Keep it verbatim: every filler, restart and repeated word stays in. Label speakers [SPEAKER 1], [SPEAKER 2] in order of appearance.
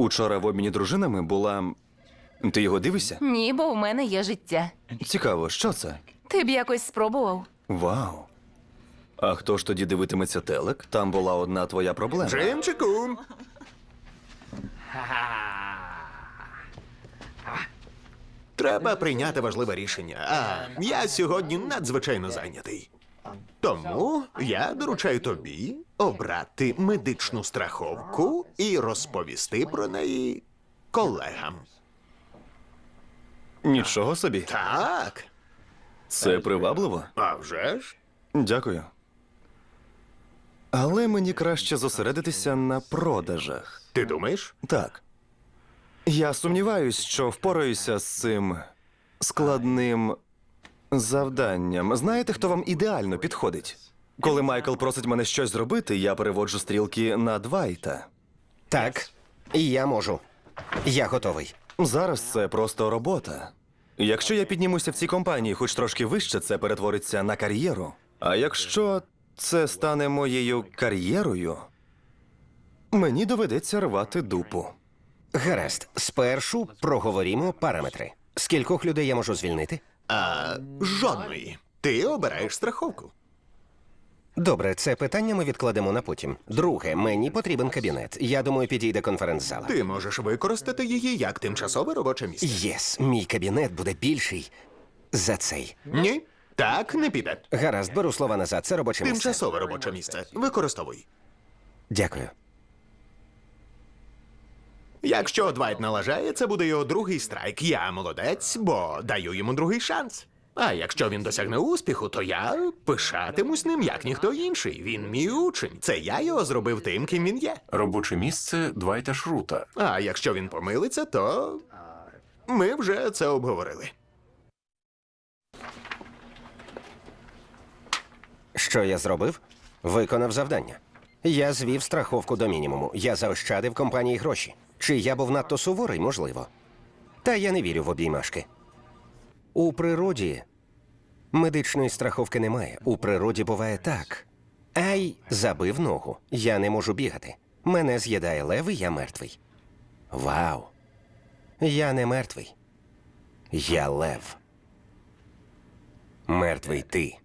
[SPEAKER 1] Учора в обміні дружинами була. Ти його дивишся?
[SPEAKER 2] Ні, бо в мене є життя.
[SPEAKER 1] Цікаво, що це?
[SPEAKER 2] Ти б якось спробував.
[SPEAKER 1] Вау. А хто ж тоді дивитиметься телек? Там була одна твоя проблема.
[SPEAKER 3] Джимчику! Треба прийняти важливе рішення. А я сьогодні надзвичайно зайнятий. Тому я доручаю тобі обрати медичну страховку і розповісти про неї колегам.
[SPEAKER 1] Нічого собі.
[SPEAKER 3] Так,
[SPEAKER 1] Це привабливо.
[SPEAKER 3] а вже ж.
[SPEAKER 1] Дякую. Але мені краще зосередитися на продажах.
[SPEAKER 3] Ти думаєш?
[SPEAKER 1] Так. Я сумніваюсь, що впораюся з цим складним завданням. Знаєте, хто вам ідеально підходить? Коли Майкл просить мене щось зробити, я переводжу стрілки на Двайта.
[SPEAKER 4] Так, і я можу. Я готовий.
[SPEAKER 1] Зараз це просто робота. Якщо я піднімуся в цій компанії хоч трошки вище, це перетвориться на кар'єру. А якщо це стане моєю кар'єрою, мені доведеться рвати дупу.
[SPEAKER 4] Гаразд, спершу проговоримо параметри. Скількох людей я можу звільнити?
[SPEAKER 3] А жодної. Ти обираєш страховку.
[SPEAKER 4] Добре, це питання ми відкладемо на потім. Друге, мені потрібен кабінет. Я думаю, підійде конференц-зала.
[SPEAKER 3] Ти можеш використати її як тимчасове робоче місце.
[SPEAKER 4] Єс, мій кабінет буде більший за цей.
[SPEAKER 3] Ні, так не піде.
[SPEAKER 4] Гаразд, беру слова назад. Це робоче місце.
[SPEAKER 3] Тимчасове робоче місце. Використовуй.
[SPEAKER 4] Дякую.
[SPEAKER 3] Якщо Двайт налажає, це буде його другий страйк. Я молодець, бо даю йому другий шанс. А якщо він досягне успіху, то я пишатимусь ним, як ніхто інший. Він мій учень. Це я його зробив тим, ким він є.
[SPEAKER 5] Робоче місце Двайта Шрута.
[SPEAKER 3] А якщо він помилиться, то ми вже це обговорили.
[SPEAKER 4] Що я зробив? Виконав завдання. Я звів страховку до мінімуму. Я заощадив компанії гроші. Чи я був надто суворий? Можливо. Та я не вірю в обіймашки. У природі медичної страховки немає. У природі буває так. Ай, забив ногу. Я не можу бігати. Мене з'їдає лев, і я мертвий. Вау. Я не мертвий. Я лев. Мертвий ти.